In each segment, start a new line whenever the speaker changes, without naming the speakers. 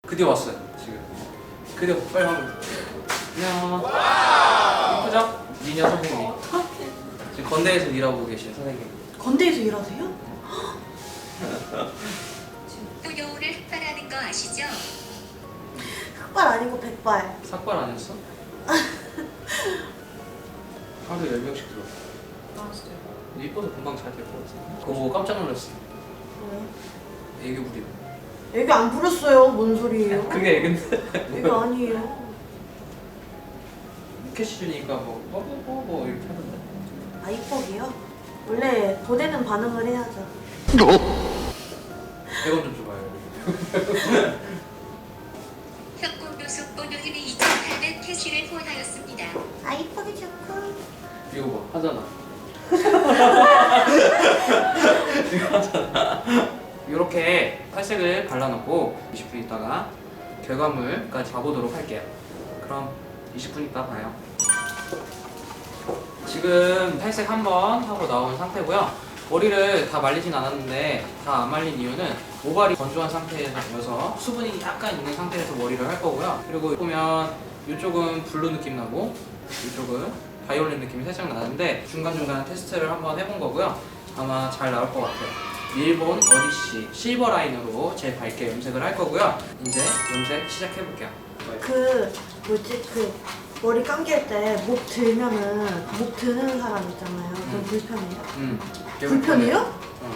드디어 왔어요 지금. 드디어 빨리 한번. 안녕. 이쁘죠? 미녀 선생님. 지금 건대에서 일하고 계신 선생님.
건대에서 일하세요?
또 여우를 흑발하는 거 아시죠?
흑발 아니고 백발.
삭발 아니었어? 하루에 10명씩 들어.
아 진짜요?
이뻐서 금방 잘 될 것 같아. 그거 보고 깜짝 놀랐어.
왜?
애교 부리고.
애교 안 부렸어요. 뭔 소리예요?
그게 애교인데.
애교 아니에요.
캐시 주니까 뭐 이렇게 하던데.
아 이뻐기요? 원래 보내는 반응을 해야죠.
100원 좀 줘봐요.
협공교수 본요일이 2,800 캐시를 후원하였습니다.
아 이쁘게 좋고.
이거 봐 하잖아. 이거 하잖아. 이렇게 탈색을 발라놓고 20분 있다가 결과물까지 봐보도록 할게요. 그럼 20분 있다 봐요. 지금 탈색 한번 하고 나온 상태고요. 머리를 다 말리진 않았는데 다 안 말린 이유는 모발이 건조한 상태여서 수분이 약간 있는 상태에서 머리를 할 거고요. 그리고 보면 이쪽은 블루 느낌 나고 이쪽은 바이올렛 느낌이 살짝 나는데 중간중간 테스트를 한번 해본 거고요. 아마 잘 나올 것 같아요. 밀본 어디시 실버 라인으로 제일 밝게 염색을 할 거고요. 이제 염색 시작해 볼게요.
그 뭐지 그 머리 감길 때 목 들면은 목 드는 사람 있잖아요. 그럼 불편해요? 불편해요?
어.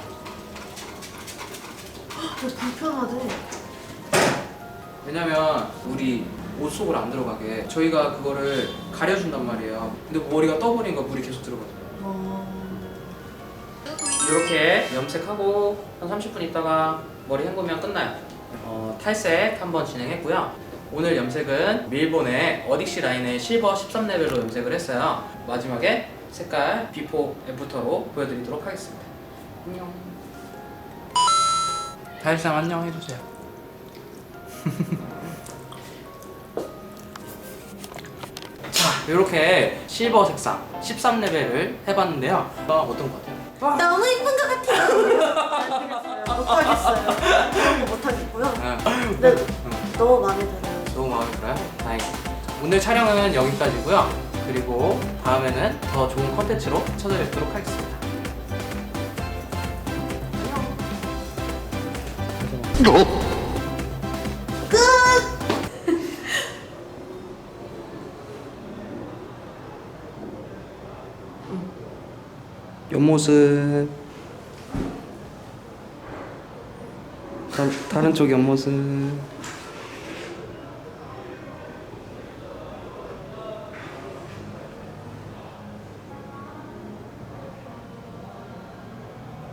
왜 불편하대?
왜냐면 우리 옷 속으로 안 들어가게 저희가 그거를 가려준단 말이에요. 근데 머리가 떠버리니까 물이 계속 들어가요.
또 보이는
이렇게 염색하고 한 30분 있다가 머리 헹구면 끝나요. 탈색 한번 진행했고요. 오늘 염색은 밀본의 어딕시 라인의 실버 13레벨로 염색을 했어요. 마지막에 색깔 비포 애프터로 보여드리도록 하겠습니다. 안녕. 다일상 안녕 해주세요. 자, 이렇게 실버 색상 13레벨을 해봤는데요. 어떤 것 같아요?
너무 이쁜 것 같아요. 못하겠어요. 못하겠고요. 근데 너무 마음에 들어요.
너무 마음에 들어요? 다행이다. 오늘 촬영은 여기까지고요. 그리고 다음에는 더 좋은 컨텐츠로 찾아뵙도록 하겠습니다. 옆모습 다른 쪽 옆모습